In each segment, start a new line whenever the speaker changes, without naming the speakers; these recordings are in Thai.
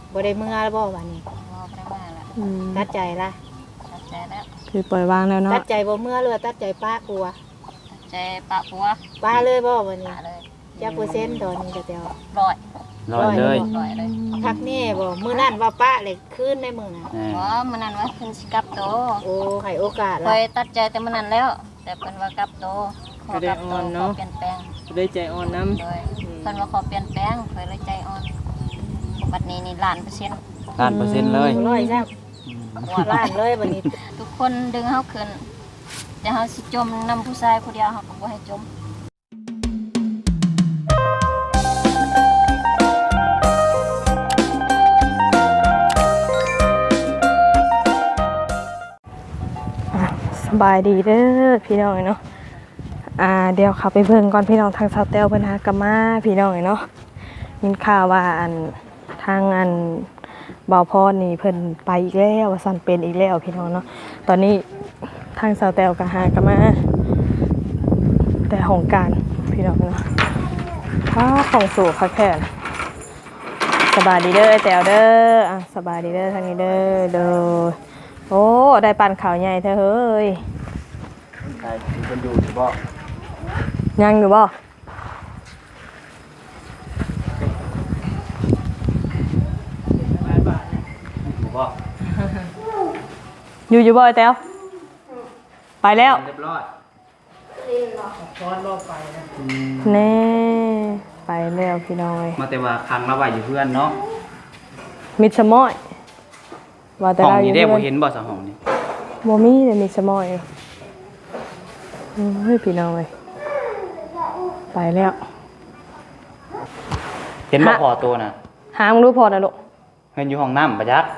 บ่ได้เมื่อแล้วบ่วันนี้ตัดใจละ
ตัดใจแล้ว
คือปล่อยวางแล้วเนาะ
ตัดใจบ่เมื่อเลยตัดใจป้าปัว
ใจปะปัว
ป้าเลยบ่วันนี้จักเปอร์เซ็นต์ตอนนี้แต่
ร้อย
เลย
พักแน่บ่มื้อนั้นว่าป้าเลยคืนในมื้อน่ะ
บ่มื้อนั้นว่าเพิ่นสิกลับโต
โอ้ให้โอกาส
ล่ะค่อยตัดใจแต่มื้อนั้นแล้วแต่เพิ่นว่ากลับโตขอกลับโตขอเปลี่ยนแปลง
ได้ใจอ่อนนำ
เลยเพิ่นว่าขอเปลี่ยนแปลงค่อยเลยใจอ่อนบัดนี้นี่1,000,000%
1,000,000%เลย
100จ้ะล้านเลยบัดนี้
ทุกคนดึงเฮาขึ้นแต่เฮาสิจมนำผู้ชายผู้เดียวเฮาก็บ่ให้จม
สบายดีเด้อพี่น้องเนาะเดี๋ยวขับไปเบิ่งก่อนพี่น้องทางเซาเตลเพิ่นหากะมาพี่น้องเนาะมีข่าวว่าทางบ่าวพรนี่เพิ่นไปอีกแล้วว่าซั่นเป็นอีกแล้วพี่น้องเนาะตอนนี้ทางเซาเตลก็หากะมาแต่ของการพี่น้องเนาะของสู่ค่ะแค่สบายดีเด้อแตวเด้อสบายดีเด้อทางนี้เด้อโอ้ได้ปั่นข่าวใหญ่เธอเฮ้ย
ได้เพิ่นอยู่สิบ่
ยังอยู่บ่อยู่บ่ไอ้แต้วไปแล้ว
เรียบร้อยพรบ่ไปนะ
แน่ไปแล้วพี่น้อย
มาแต่ว่าครั้งละไว้อยู่เพื่อนเนาะ
มิดสมอยว่าแต่เราอยู่
ได้บ่เห็นบ่สะห้องนี่
บ่มีแต่มิดสมอยเฮ้ยพี่น้อยไปแล้ว
เห็นบ่พอตัวน่ะ
หามึงรู้พอนะลูก
เห็นอยู่ห้องน้ำประจักษ์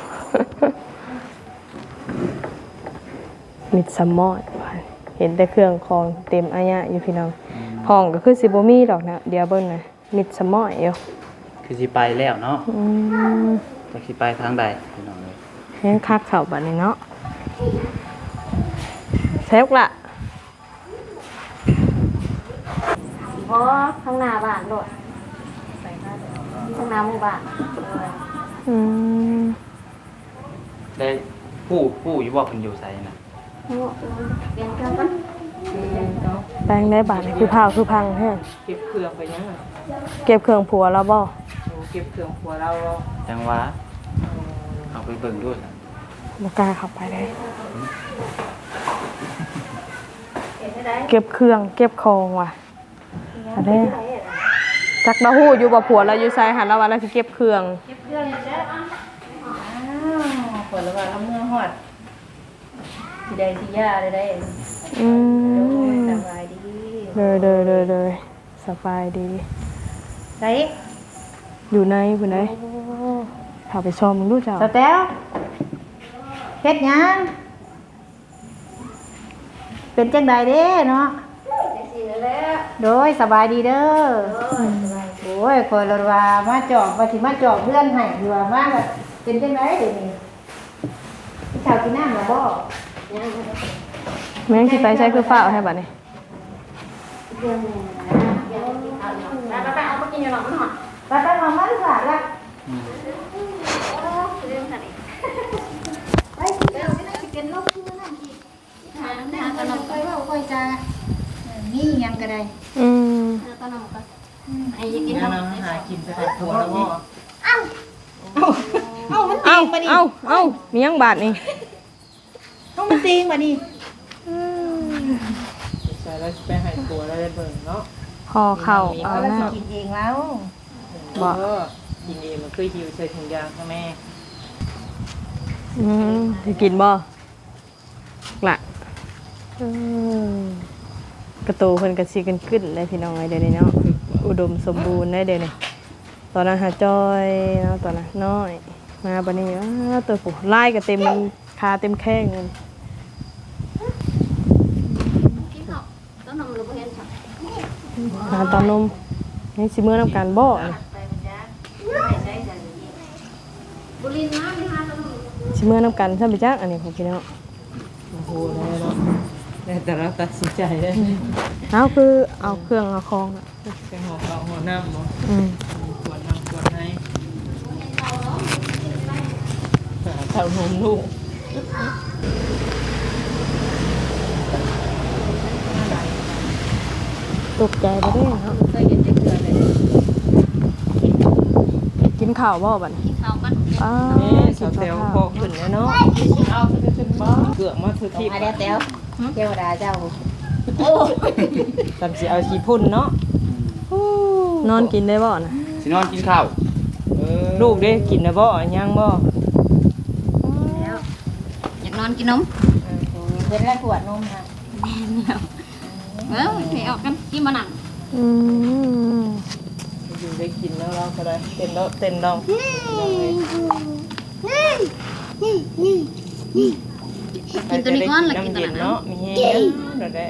มิดสมอยเห็นแต่เครื่องของเต็มอายะอยู่พี่น้องห้องก็คือสิบ่มีดอกนะเดี๋ยวเบิ่งนะมิดสมอยอยู่
คือสิไปแล้วเนาะจะสิไปทางใดพี่น้องเอ้ย
แห้งคักเข้าบัดนี้เนาะเซฟละ
เพราะข้างหน้าบ้านโดดข้างหน้าหมู่บ้าน
ได้ผู้อยู่บ่เพิ่นอยู่ไสน่ะ
เปลี่ยนเครื่องก่อน
แปลงได้บาทคือพาวคือพังแฮะ
เก็บเครื่องไปยัง
เก็บเครื่องผัวแล้วบ่
เก็บเครื่องผัวเรา
จังหวะเอาไปเบิ่งด้วย
บ่กล้าเข้าไปได้เก็บเครื่องเก็บของว่ะอะไรจักดาฮู้อยู่บ่ผัวเราอยู่ไสหันแล้วว่าเราสิเก็บเครื่อง
อยู่แล้วผลว่าเราเมื่อฮอดสิได้สิยาได้สบายดี
เลยสบายดี
ได้
อยู่ในพุ่นได้พาไปชมมึงดูเจ้า
สแตลเฮ็ดหยังเป็นจังใดเด้เนาะโดยสบายดีเด้อโอ้ยคอยรถว่ามาจอบว่าสิมาจอบเพื่อนให้อยู่ว่ามาแบบเป็นจังไดเดี๋ยวนี้พี่ชาวกินน้ำหรือบ่
แม่งสิไปใช้คือฟ้าให้บัดนี้
ไปเอามากินอยู่หนองมันหอดไปเอามาดีกว่าละไปเดี๋ยวจะกินนกที่นั่นที่หาขนมไปว่าค่อยจะนี่ยังก็ได้ขนมก็ไอ้ยังกินขนมหากินจะได้ถั่วแล้วบ่มันตีงมาดิ
มียังบาทนี่
มันตีงมาดิ
ใช่แล้วไปหายตัวแล้วได้เบิ่งเนาะ
พอเข่าเอาหน้า
กินเองแล้ว
บอกกินเองมันเคยหิวใส่ถุงยางค่ะแม่
จะกินบ่ละกระตูเพิ่นกระซีกันขึ้นเลยพี่น้องเดี๋ยวนี้เนาะอุดมสมบูรณ์ได้เดี๋ยวนี้ตอนนั้นหาจอยเนาะตอนนั้นน้อยมาบัดนี้ตัวผู้ไล่ก็เต็มคาเต็มแข้งเลยตอนนมนี่สิมื้อน้ำการบ่สิมื้อน้ำกันใช่ไหมจ๊ะอันนี้ของพี่น้อง
โอ้โหได้แต่เราตัดสินใจได้
เอาคือเอาเครื่องเอาคอง
เป็นหัวน้ำมั้งขวดน้ำขวดไหนาวนมลูก
ตกใจบ่ได้เนาะ
เคยเห็นจะเกลือเลย
กินข้าวบ่บัดนี้
ที่เขากัน
อ้า
แม่สาวเตียวพอขึ้นแล้วเนาะเอาขึ้นบ่เกือกมาคือที่
มาแล้วแต้วเทวดาเจ้า
ตามสิเอาขี้พุ่นเนาะ
นอนกินได้บ่น่ะ
สินอนกินข้าว
ลูกเด้กินนะบ่ยังบ่
แล้วอยากนอนกินนม
เป็นแรกขวดนมค่ะ
ให้ออกกันกินมาหนัง
อืม
อยู่ได้กินแล้วเราก็ได้เต้นแล้วเต้นดอง
กินตัวนี้ก่อนแล้วกินตัว
เย็น
นั้น
เนาะมีเฮงเนาะได้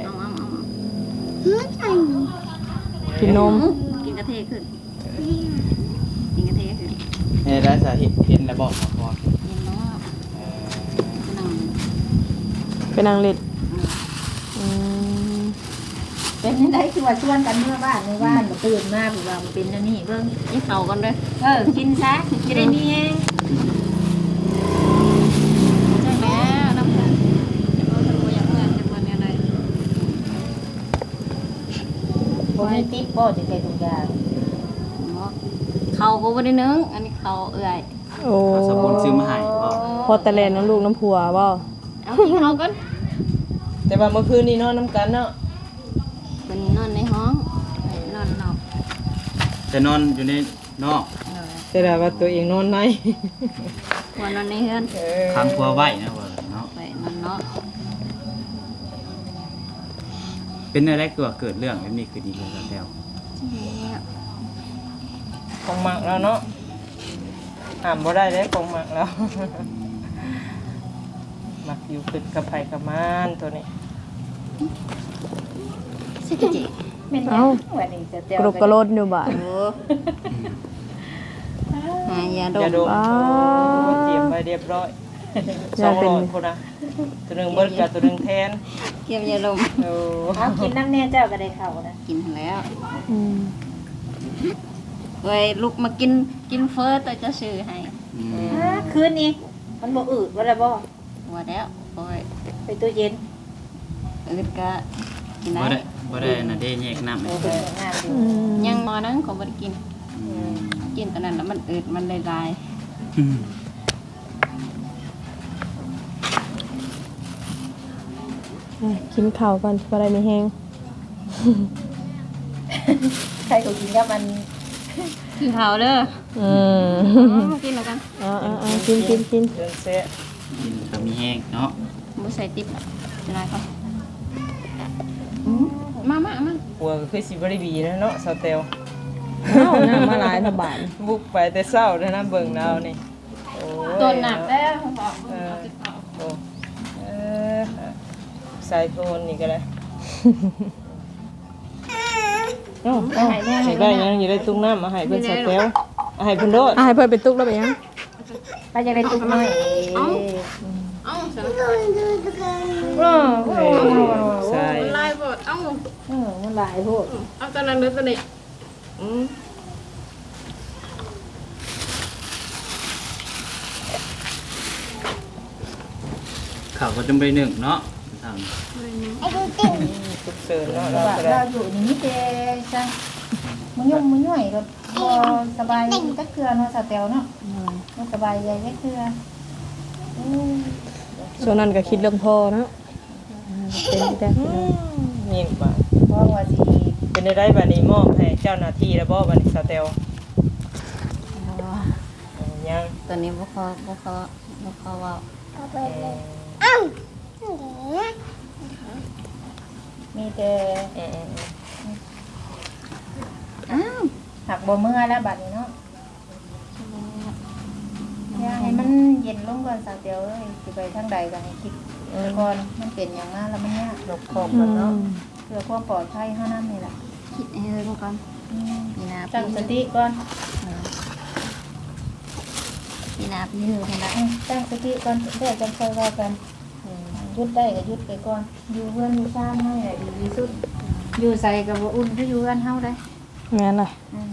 กินนม
กินกระเทยขึ้นกินกระเทยขึ้น
ได้สาเหตุเห็นแล้วบอกพอ
กินแล้วนั่ง
ไปนั่งเล่นอืม
เป็นยังไงคือว่าชวนกันเมื่อบ้านในบ้านมาตื่นมาแบบว่ามันเป็นอันนี้เบิ่ง
ยิ่งเข่ากันเลย
กินซะจะได้มีเอง
ใช่แล้วน้ำตาลเราทำตัวอย่างเมื่อจะมาเนี่ยอะไร
บ่มีติ๊บบ่จะใส่ถุงยาง
เขาก็ไม่ได้นึงอันนี้เขาเอื่อย
โอ้
สมุนซื้อมาให้บ่
พอตะแลนน้ำลูกน้ำผัวบ่
เอากินเขากัน
แต่ว่าเมื่อคืนนี้นอนน้ำกันเนาะ
เป็นนอนในห้องนอนนอก
จะนอนอยู่ในนอก
แต่ว่าตัวเองนอนใน
ควรนอนในเฮือน
ค้างครัวไว้นะว่าเนาะ
ไปนอนนอก
เป็นอะไรเกิดเรื่องแบบนี้คือดีเลยแล้ว
ของหมักแล้วเนาะห้ามบ่ได้เลยของหมักแล้ว หมักอยู่ขึ้นกับไผกับมานตัวนี้
สิกจิ
เป็นยังวันนี้จะเตียว
กรุบกระโลดอยู่บ้าน
โอ้ยาด
อย่าม ดม
ว้าว
เตรียมไว้เรียบร้อย200คนนะตัวหนึงเบิดกับตัวหนึงแทน
เกี่ยวยาดม
โอ้
เอากินน้ำแน่เจ้าก็ได้เข้านะ
กินแล้ว
อืม
เว้ยลูกมากินเฟอร์ตัวจะซื้อให้
คืนนี้มันบ่อืดว่าละบ่
ว่าแล้วโอ้ย
ไปตู้เย็น
อึดก็กิน
บ่
ได้
ได้บ่ได้น่ะได้แยกน้ำ
โอ้
ให้
เป็นงานอยู่
อืม
ยังมอนั้นเขาไม่ได้กิน กินตอนนั้นแล้วมันอึดมันลาย
กินข้าวก่อนบ่ได้มีแฮง
ใครก็กินกับมัน
ๆกินข้าวเด้อ
อืม
กินแล้วกัน
อ่ากิน
เดินเซะ
กินก็มีแห้งเนาะ
บ่ใส่ติ๊บจะได้ก็มา
หัวก็คือสิบ่ได้บีนะเนาะสาวเตล
เอ้าน้ำมาหลายทบาน
บุกไปแต่เช้าเด้อนะเบิ่งดาวนี่โอ้ย
ตัวหนักแล้วบอก
เออโอ้เออใส่โทนนี่ก็ได้เอ้าให้ได้ยังอย่าได้ตุ้งน้ำมาให้เพิ่นสาวเตลเอาให้เพิ่นโดด
ให้เพิ่นไปตุกแล้วไปยัง
ไปจะได้ตุกน้อย
เอ้า
ใส่
ลายบดเอ้า
มันหลายโพด
เอาตอนนั้นหรือตอนนี้
ข้าวก็จำไปหนึ่งเนาะทาง
สุกเสริญเนาะ
ว่า
ก็ได้
เราอยู่นี่แต่จังมันยุ่งมันย่อยก็บ่สบายจักเทื่อเนาะสาวแตวเนาะบ่สบายใจจักเทื่อ
ส่วนนั้นก็คิดเรื่องพ่อเนาะเป็นแต่
นี่บ่า
เพราะว่าสิ
เป็นได้บัดนี้มอบให้เจ้าหน้าที่แล้วบ่บัดนี้สาวเตลยัง
ตอนนี้บ่ขอว่า
มีแต่
อ้าว
หักบ่เมื่อแล้วบัดนี้เนาะอย่าให้มันเย็นลงก่อนสาวแตวเอ้ยสิไปทางใดก็ให้คิดก่อนมันเป็นหยังมาแล้วมันยาก
นกคอมกันเนาะ
เพื่อความปลอดภัยเท่านั้นนี่แหละ
คิดให้เรื่องก่อนปีหน้า
ตั้งสติก่อน
ปีหน้าปีหื้อเท่านั้น
ตั้งสติก่อนเดี๋ยวจะค่อยว่ากันหยุดได้ก็หยุดไปก่อน อยู่เพื่อนอยู่ซ่านให้ได้ดีที่สุด อยู่ใส่กับบ่อุ่นคืออยู่กันเฮาได้
แม่นเลย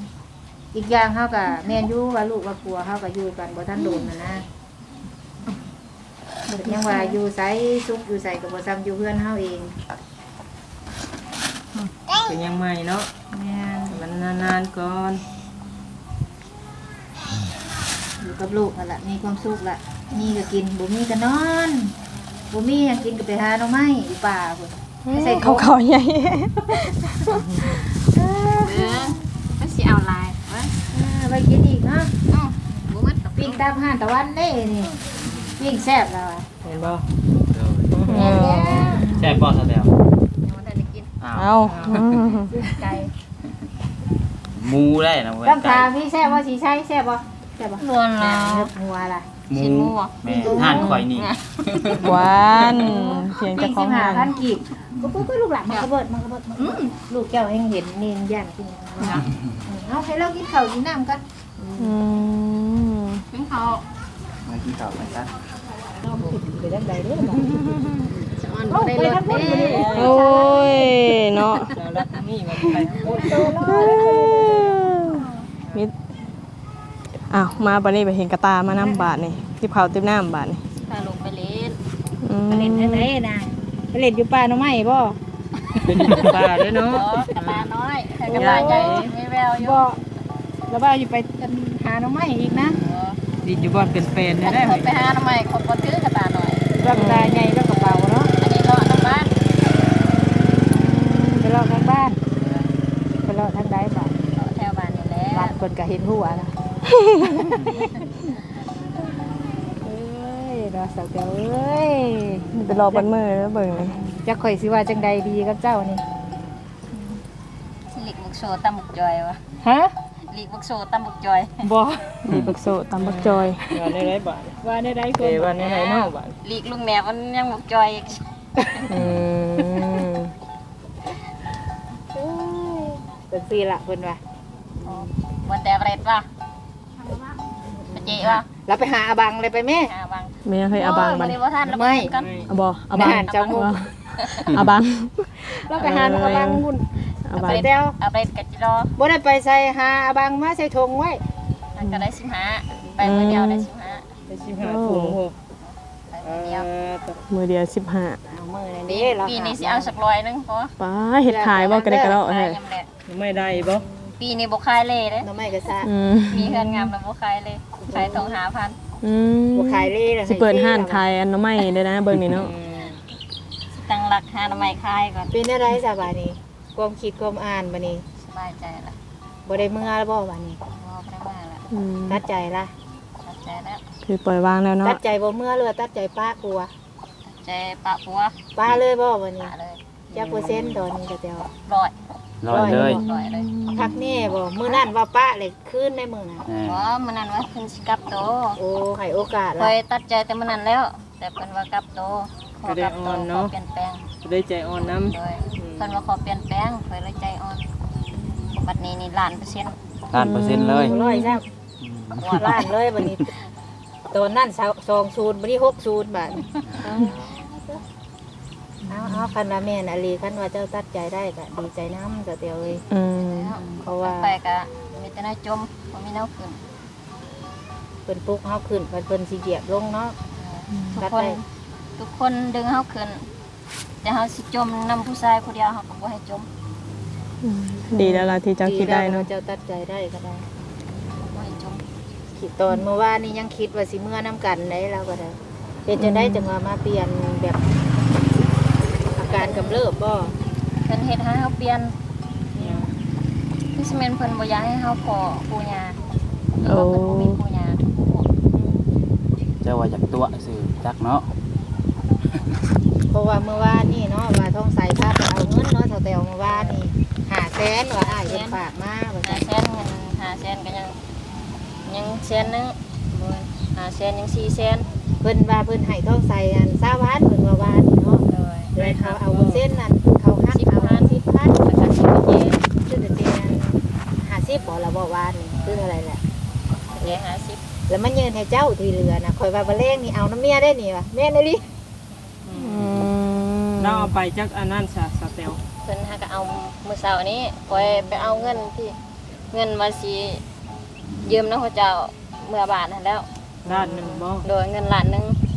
อีกอย่างเฮาก็แม่นอยู่ว่าลูกว่าผัวเฮาก็อยู่กันบ่ทันโดนน่ะนะยังว่าอยู่ไสซุกอยู่ไสก็บ่ซ้ำอยู่เพื่อนเฮาเอง
เป็นยังใหม่เนาะ
แม่น
มันนานๆก่อน
อยู่กับลูกนั่นล่ะมีความสุขล่ะมีก็กินบ่มีก็นอนบ่มีหยังกินก็ไปหาหน่อไม้อยู่ป่าพุ่นใส่ถุง
เขาใหญ่
ก็สิเอาลายว่า
ไปกินอีกเนาะ
บ่มัดดอก
ปิ้งตามห้านตะวันเด้นี่ปิ้งแซ่บแล้วอะ
เห็นบ่
แซ่บบ่ซะแล้ว
ยังบ่ทันได้กิน
อ้าว
เอาอืม
ไก่
หมูได้นะเว้ย
ต้องถามพี่แซ่บบ่สิใช่แซ่บบ่แซ่บบ่
รวนแล้ว
เนื้อหัวล่ะ
หมู
ชิ้นหมูอะ
แม่ห่านข่อยนี่
หวานเพียง
ปิ้
เจ้าง ของร้าน
15,000กีบก็ลูกหลานมันกระเบิดลูกแก้วเฮงเห็นนี่ย่านกินเอาให้เรากินข้าวกินน้ำกัน
อืม
กินเขา
มากินข้าวกันซะ
ไปด้านใดเด้อ
จะอ่อนบ่ได้รสเด้
โอ้ยเนาะ
แล้วรักนี่มันไป
มิดอ้าวมาบัดนี้ไปเห็นกระตามาน้ำบาทนี่ที่เขาวเต็มน้ำบาทนี่
พาลงไปเล่น
อืม
ไปเล่นทางไหนนะไปเล่นอยู่ป่าหน่อไม้บ่
เป็นปลาด้วยเนาะ
กะลาน้อยแต่กะลาใหญ่มีแววอยู่
บ่แล้วว่าอยู่ไปกันหาหน่อไม้อีกนะ
ดินอยู่บ่อนเป็นเป็นได้ได้
คนไปหาทำไมคนบ่ถือกระตาหน่อย
ร่างกายใหญ่แล้วกระเป๋าเนาะ
อันนี้เลาะน้ำบ้าน
ไปเลาะทางบ้านไปเลาะทางใดบ้าน
เลาะแถวบ้านนี่แหละ
บ้านคนก็เห็นหัวนะเอ้ยรอสักเดียวเอ้ย
ไปรอบันมือแล้วเบิ่งนี่
จะข่อยสิว่าจังใดดีกับเจ้านี่
ลิกบุกโซตำบุกจอยวะ
ฮะ
ลิกบุกโซตำบุกจอย
บ่
ดีบักโซตำบักจอย
ว่าได้ไรบาท
ว่าได้ค
เอน ว่าได้ไรเนาะบาท
ลิกลุงแหนบมันยังบุกจอยอีก
อืม
เป็นสิล่ะเพิ่นว่า
วันแต่เร็ดว่ะปะเจ๊ว่ะ
แล้วไปหาอาบังเลยไปแม่
บัง
เมียเคยอาบังบัน
บ่ทันแล้วกัน
อาบออาบัง
อาหารเจ้ามุก
อาบัง
แล้วไปหาอาบังหุ่น
อาบัง
ไปเดียว
เอาไปกัดจิรอ
บ่ได้ไปใส่หาอาบังมาใส่ถุงไว้
มันก็ได้15ไปมื้อเดียวได้15
ได้15ถุงโห
ไปมื้อเดียว
มือเดียว15
เอามือนี่เรา
ปีนี้สิเอาสัก100นึงพอ
ป้าเห็ดขายบ่กระเดกกระเดาะ
ขาย
เฮ้ย
ยำแหละ
ไม่ได้บ่
ปีนี้บ่ขายเลยเด้
น้ำไม้กระซะ
อืม
มีเฮือนงามแล้วบ่ขายเลยขายทอง5,000
อืม
บ่ขายเลยล่ะ
สิเปิดห้านขายอันน้ำไม้ได้นะเบิ่งนี่เนาะ
ตั้งหลักหาทำไมขายก่อน
เป็นอะไรซะบัดนี้ความคิดความอ่านบัดนี้
สบายใจละ
บ่ได้เมื่อแล้วบ่บัดนี้
บ่ได้มาละ
อืม
ตัดใจละ
ตัดใจแล้ว
คือปล่อยวางแล้วเนาะ
ตัดใจบ่เมื่อเลยตัดใจป้ากลัว
ใจปะปัว
ป้าเลยบ่บัดนี้
ปะเลย
จักเปอร์เซ็นต์ตอนนี้ก็เดียว
ร้อย
ลอยเลย
ร้อยเลย
พักแน่บ่มื้อนั้นว่าป้าเลยคืนในมื้อนั้น
บ่มันนั่นว่าขึ้นสิกลับโต
โอ้ให้โอกาส
เค
ละ
ยตัดใจแต่มันนั่นแล้ว แต่เพิ่นว่ากลับโตขอกลับโตขอเปลี่ยนแปลง
ได้ใจอ่อนน้ำ
โดยเพิ่นว่าขอเปลี่ยนแปลงเคยเลยใจอ่อนบัดนี้นี่1,000,000%
1,000%เลย
ร้อยซับหัวล้านเลยบัดนี้ตอนนั้น20บัดนี้60บาทเอาคันว่าแม่นอลีคันว่าเจ้าตัดใจได้ก็ดีใจนำก็เตียวเอ้ย
อืม
เพราะว่า
ไปก็มีแต่แนวจมบ่มีแนวขึ้น
เพิ่นปลุกเฮาขึ้นเพิ่นสิเหยียบลงเนาะ
ทุกคนดึงเฮาขึ้นแต่เฮาสิจมนำผู้ชายผู้เดียวเฮาก็บ่ให้จม
ดีแล้วล่ะที่เจ้าคิดได้เนาะ
เจ้าตัดใจได้ก็ได้
บ่ให้จม
คิดตอนเมื่อวานนี้ยังคิดว่าสิเมื่อน้ำกันได้แล้วก็ได้เป็นจะได้จังว่ามาเปลี่ยนแบบอาการกำเริบบ่
เพิ่นเฮ็ดให้เฮาเปลี่ยนคือสิแม่นเพิ่นบ่อยากให้เฮาพอปู่ย่าเพราะว่าเพิ่นบ่มีปู่ย่า
เจ้าว่าจากตัวสื่อจักเนาะ
เพราะว่าเมื่อวานนี่เนาะว่าท้องใสพาไปเอาเงินเนาะเท่าแต่เมื่อวานนี่500,000ว่าอ้ายเพิ่นฝากมาว่าซั่น
500,000เงิน500,000ก็ยังแสนนึงบ่500,000ยัง400,000
เพิ่นว่าเพิ่นให้ท้องใสอัน20วันเพิ่นว่าวานนี่เนาะ
โดย
เลยเขาเอาเส้นนั้นเขาหักเอา10,000
แล้วก็สิไปเย็น
คือจะเป็น50บ่ละบ่วานนี่คือเท่าไหร่แหละ
เย็น50
แล้วมันยืนให้เจ้าที่เหลือนะคอยว่าบ่แรงนี่เอาน้ำเมียได้นี่วะแม่นอีหลี
อืม
เราเอาไปจักอันนั้นซะสเตล
เพิ่นหาก็เอามื้อเช้านี้ปล่อยไปเอาเงินที่เงินว่าสิยืมนำเขาเจ้าเมื่อบาทนั่นแล้ว
ด้านหนึ่งบ่
โดยเงินล้านหนึง
โอ้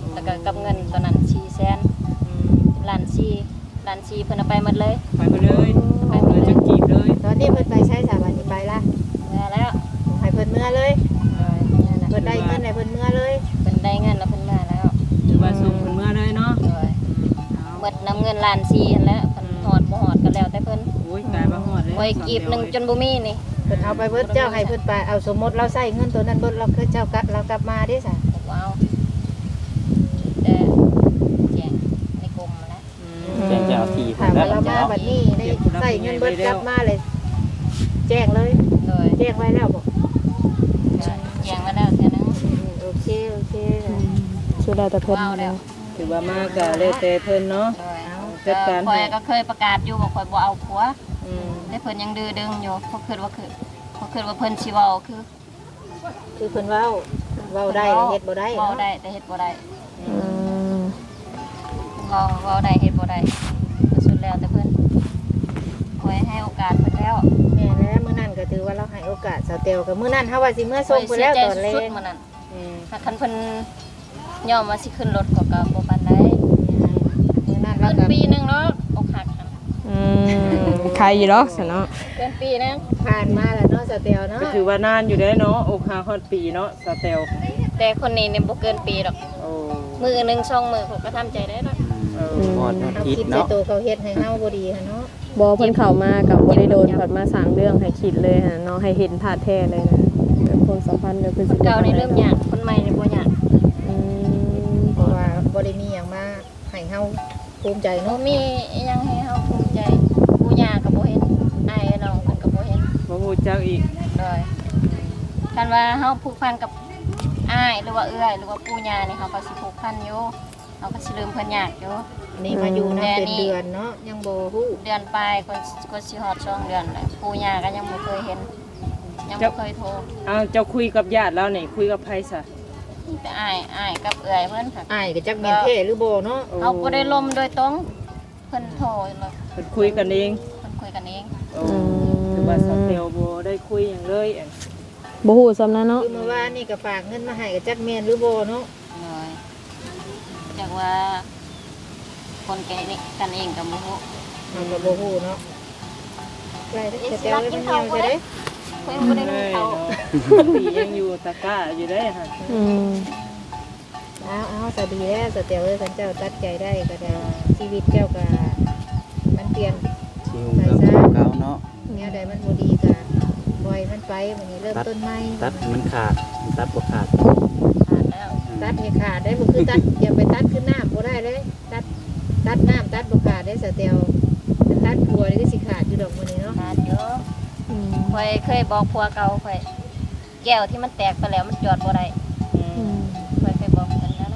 แล้วก็กับเงินตอนนั้น400,000ล้าน4เพิ่นเอาไปหมดเลย
ไปมาเลยไปเลยจะกีบเลย
ตอนนี้เพิ่นไปใช้สถาบันนี้ไปละ
มาแล้ว
ให้เพิ่นเมื่อเลย
นั่นน่ะ
เพิ่นได้เงินให้เพิ่นเมื่อเลย
เพิ่นได้เงินแล้วเพิ่นมาแล้ว
ถือว่าส่งเพิ่นเมื่อเลยเนาะ
โดยหมดน้ำเงินล้าน4นั่นแหละเพิ่นฮอดบ่ฮอดก็แล้วแต่เพิ่น
โอ้ยกลายมาฮอดเลย
ไว้กีบหนึงจนบ่มีนี่
เพิ่นเอาไปเบิดเจ้าให้เพิ่นไปเอาสมมติเราใช้เงินตัวนั้นเบิดเราคือเจ้ากลับเรากลับมาเด้ซะ
ผมเอาแต่แจ้งในกรมนะ
แจ้งเจ้าที่
ถามว่าเรามาบัดนี้ได้ใช้เงินเบิดกลับมาเลย แจ้งเลย
โดย
แจ้งไว้แล้วบอก
แจ้งมาแล้วเท่านึง
โอเคโอเค
สุดแล้วแต่เพิ่น
ว้าวแล้ว
ถือว่ามาก็แล้วแต่เพิ่นเนาะ
โดย
จัดการ
ข่อยก็เคยประกาศอยู่ว่าข่อยบ่เอาผัว
อืม
แต่เพิ่นยังดื้อดึงอยู่เพราะคิดว่าเพิ่นสิเว้าคือ
คือเพิ่นเว้าได้เฮ็ดบ่ได้
เว้า
เนาะ
ได้แต่เฮ็ดบ่ได้
อืม
เว้าได้เฮ็ดบ่ได้ก็สุดแล้วแต่เพิ่นข่อยให้โอกาสเพิ่นแล้ว
แม่แล้วมื้อนั้นก็ถือว่าเราให้โอกาสสาวเตียวกับมื้อนั้นเฮาว่าสิเมื่อส่งเพิ่นแล้วตอนแร
สุด
ก
ๆมื้อนั้น
อืม
ถ้าคันเพิ่นยอมว่าสิขึ้นรถก็บ่ปานใด
มื้อนั้นเรา
เกิน
ก็
ปีหนึงเนาะอกหักหั่น
อืมใครอยู่ดอกซะเนาะ
เกินปีหนึง
ผ่านมาแล้วเนาะสาวเตียวเนาะ
ก็ถือว่านานอยู่ได้เนาะอกหักฮอดปีเนาะสเตล
แต่คนนี้เนี่ยบ่เกินปีดอก
โอ้
มือหนึง2มือผมก็ทำใจได้แล้ว
พอด
เฮา
คิด
คิดใน
เนาะ
ตัวเขาเฮ็ดให้เฮาบ่ดีหั่นเนาะ
บ่เพิ่นเข้ามากับบ่ได้โดนเพิ่นมาสร้างเรื่องให้คิดเลยหั่นเนาะให้เห็นท่าแท้เลยนะแบบความสัมพันธ์ก็คือ
คนเก่านี่เริ่มยากคนใหม่นี่บ่ยาก
อืม
เพราะว่าบ่ได้มีหยังมาให้เฮาภูมิใจ
บ่
เนาะ
มีอิหยังให้เฮาภูมิใจปู่ย่าก็บ่เห็นอ้ายน้องเพิ่นก็บ่เห็น
บ่ฮู้จักอีก
เลยคันว่าเฮาผูกพันกับอ้ายหรือว่าเอื้อยหรือว่าปู่ย่านี่เฮาก็สิผูกพันอยู่เฮาก็สิลืมเพิ่นยากอยู่
นี่มาอยู่นำเป็นเดือนเนาะยังบ่ฮู้
เดือนปลายก็สิฮอด2เดือนแล้วปู่ย่าก็ยังบ่เคยเห็นยังบ่เคยโทร
อ้าวเจ้าคุยกับญาติแล้วนี่คุยกับไผซะ
แต่อ้ายกับเอื้อยเพิ่นค่ะ
อ้ายก็จักแม่นแท้หรือบ่เนาะ
เขาบ่ได้ลมโดยตรงเพิ่นโทรเลย
เพิ่นคุยกันเอง
เพิ่นคุยกันเอง
โอ้ถือว่าสเตลบ่ได้คุยหยังเลยอัน
บ่ฮู้ซำนั้นเนาะ
คือเมื่อวานนี่ก็ฝากเงินมาให้ก็จักแม่นหรือบ่เนาะ
เลยจากว่าคนแก่นี่กันเองกับบ่ฮู้
มันก็บ่ฮู้เนาะใกล้แล้วจะเตียวเลยมันเหี่ยวจะได้
เพิ่นบ่ได้รู้เขา
ปียังอยู่ตะกร้าอยู่ได้ฮะ
อืม
เอาสะดีแล้วสะเตียวเลยคันเจ้าตัดใจได้ก็ได้ชีวิตเจ้าก็มันเปลี่ยน
ชิวกับเก่าเนาะ
แนวใดมันบ่ดีก็ปล่อยมันไปวันนี้เริ่มต้นใหม่
ตัดมันขาดมันตัดบ่ขาด
ผ่านแล้ว
ตัดให้ขาดได้บ่คือตัดอย่าไปตัดขึ้นน้ำบ่ได้เลยตัดน้ำตัดบ่ขาดได้สะเตียวตัดผัวนี่ก็สิขาดอยู่ดอกมื้อนี้เนาะ
ผ่านอยู่
อืม
ข่อยเคยบอกผัวเก่าข่อยแก้วที่มันแตกไปแล้วมันจอดบ่ได้
อืม
ข่อยเคยบอกเพิ่นแล้วนะ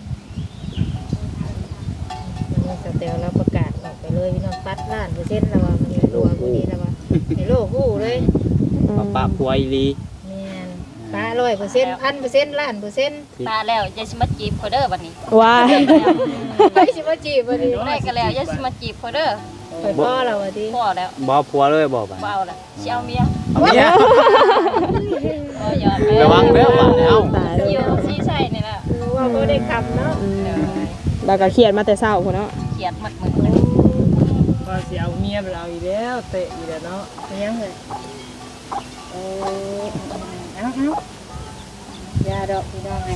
วันนี้สะเตียวเราประกาศออกไปเลยพี่น้องตัดล้านเปอร์เซ็นต์แล้วว่ามื้อนี้รัวมื้อนี้แล้วว่าให้โลกฮู้เลย
ปะผัวอีหลี
แม่นปลา100% 1,000%ล้านเปอร์เซ็นต์
ตาแล้วอย่าสิมาจีบข่อยเด้อบัดนี้
ว้าย
ไปสิมาจีบวันนี้
ได้ก็แล้วอย่าสิมาจีบข่อยเด้อ
ไปพ่อเราวันนี้
พอแล้ว
บ่ผัวเลยบ่บัด
บ่เอาแล้วสิเอาเมีย
เอาเมีย
บ่ยอมแล้ว
ระวังเด้อบัดเอ้า
ตายแล้ว
อยู่สิใช่นี่ล่ะ
ว่าบ่ได้คำเนาะ
อืมแล้วก็เครียดมาแต่เช้าพุ่นเนาะ
เกลียดหมดมื้อเลย
ว่าสิเอาเมียไปเอาอีกแล้วเตะอีกแล้วเนาะ
เป็นยังเลยเอายาดอกพี่น้องไง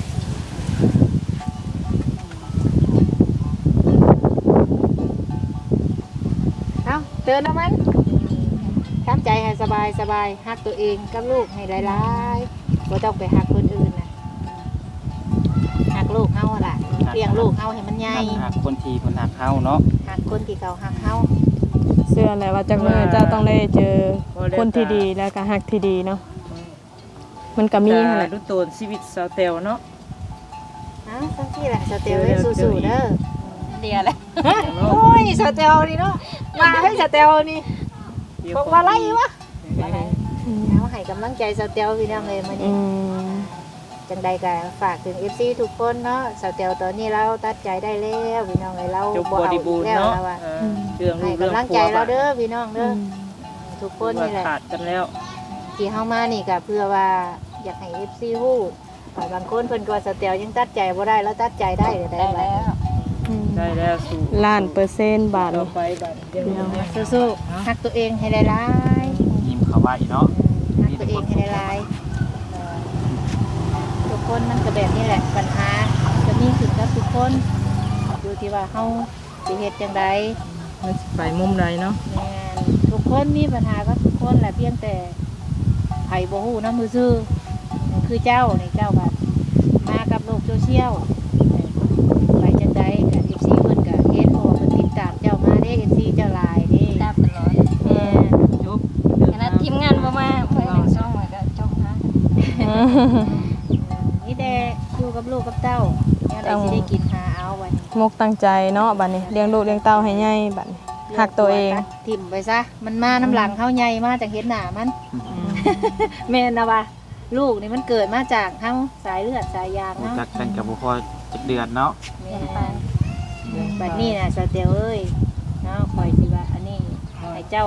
เอาเตือนเอามันทำใจให้สบายสบายฮักตัวเองกับลูกให้หลายๆบ่ต้องไปฮักคนอื่นนะฮักลูกเฮาอะล่ะเลี้ยงลูกเฮาให้มันใหญ่
หักคนทีคนหักเฮาเนาะ
ฮักคนที่เขาฮักเฮา
เชื่อแหละว่าจักมื้อเจ้าต้องได้เจอคนที่ดีแล้วก็ฮักที่ดีเนาะมันก็มีหั่นแหละ
ดูโตนชีวิตสเตลเนาะ
อ้าวสักทีแหละสเตลให้สู้ๆเด้อ
เดียวเลย
โอ้ยสเตลนี่เนาะมาให้สเตลนี่บอกว่าไรวะเอาให้กำลังใจสเตลพี่น้องเลยมา
อื
นี่
ม
จังใดก็ฝากถึง FC ทุกคนเนาะสเตลตอนนี้เราตัดใจได้แล้วพี่น้องเลยเรา
จบ
บ่
บ
เอา
ริ
อี
บูร
ก
ณ์
แล้ว
เนาะ
นะว่า
เรื่องลู
ให้
กเรื่อง
กำลังใจเราเด้อพี่น้องเด้อทุกคนนี่แหละ
ขาดกันแล้ว
ที่เฮามานี่ก็เพื่อว่าอยากให้ FC ฮู้ฝ่ายบางคนเพิ่นก็ว่าสเตลยังตัดใจบ่ได้แล้วตัดใจได้ได้
ได้
บัด
แล้ว
ได้แล้วสู่
ล้านเปอร์เซ็นต์บาท
ต่อ
นี่
ไปบัดเดี๋ยวนี้
สู้ๆฮักตัวเองให้หลาย
ยิ้มเข้าไว้เนาะ
ๆฮักตัวเองให้หลายๆทุกคนมันก็แบบนี้แหละปัญหาจะมีขึ้นกับทุกคนอยู่ที่ว่าเฮาสิเฮ็ดจังได
มันสิไปมุมใดเนาะ
แม่นทุกคนมีปัญหาก็ทุกคนแหละเพียงแต่ไผบ่ฮู้นำมือซื่อคือเจ้านี่เจ้าบัดมากับโลกโซเชียลไปจังไดกับ FC เพิ่นก็เห็นเพราะว่าเพิ่นติดตามเจ้ามาเด้ FC เจ้าหลายเด้
ตามตลอด
แม่น
จบ
ขณะทีมงานบ่มาเพิ่นเป็นซ่องไว้ก็จบหา
นี่แต่อยู่กับลูกกับเต้าเนี่ยได้สิได้กินหาเอาไว้
มุกตั้งใจเนาะบัดนี้เลี้ยงลูกเลี้ยงเต้าให้ใหญ่บัดนี้หักตัวเอง
ทิ่มไปซะมันมาน้ำหลังเฮาใหญ่มาจากเห็นหน้ามัน แม่นนะว่าลูกนี่มันเกิดมาจากเฮาสายเลือดสายยาง
รู้
เนาะ
จักกันกับบ่พอจักเดือนเนาะ
แม่บัดนี้น่ะสเตลเอ้ยเนาะคอยสิว่าอันนี้ให้เจ้า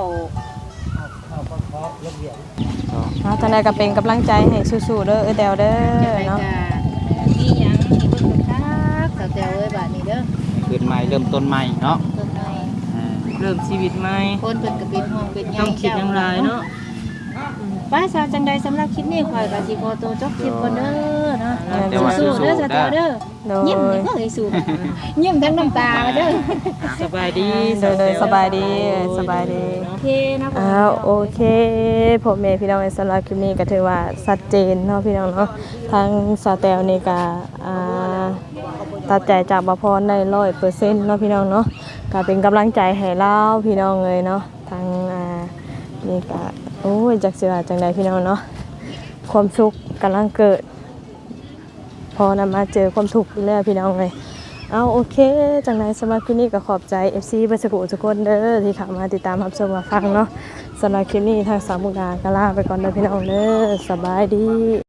เอาจังไดก็เป็นกำลังใจให้สู้ๆเด้อแตวเด้
จะ
อ
ไป
เนาะ
กะมีหยังให้เบิ่งคักสเตลเอ้ยบัดนี้เด้อ
คืนใหม่เริ่มต้นใหม่เนาะ
ต้นไม้
อ่า
เริ่มชีวิตใหม่
คนเพิ่นก็เป็นห่วงเป็นใย
ต้องคิดอย่างไรเนาะ
ป้าสาวจังใดสำหรับคลิปนี้ข่อยก็สิขอตัวจบคลิปก่อนเด้อเนาะ
แต่ว่า
สู้ๆเด้อสเตลเด้อ
โด
ยิ้ม
ย
นี่ก็ให้สู้ยิ้มทั้งน้ำตาเด้อ
สบายดี
โดยสบายดีสบายดี
โอเคนะ
อ้าวโอเคผมเมย์พี่น้องในสำหรับคลิปนี้ก็ถือว่าชัดเจนเนาะพี่น้องเนาะทางสาวแตวนี่ก็ตัดใจจากบพรได้100%เนาะพี่น้องเนาะก็เป็นกำลังใจให้เราพี่น้องเลยเนาะทางนี่ก็โอ้ยจักสิว่าจังใดพี่น้องเนาะความสุขกำลังเกิด พอนำมาเจอความทุกข์อยู่แล้วพี่น้องเลยเอาโอเคจังใดสำหรับคลิปนี้ก็ขอบใจ FC เบอร์สกุลทุกคนเด้อที่เข้ามาติดตามรับชมมาฟังเนาะสำหรับคลิปนี้ทางสามมุกดาก็ลาไปก่อนเด้อพี่น้องเด้อสบายดี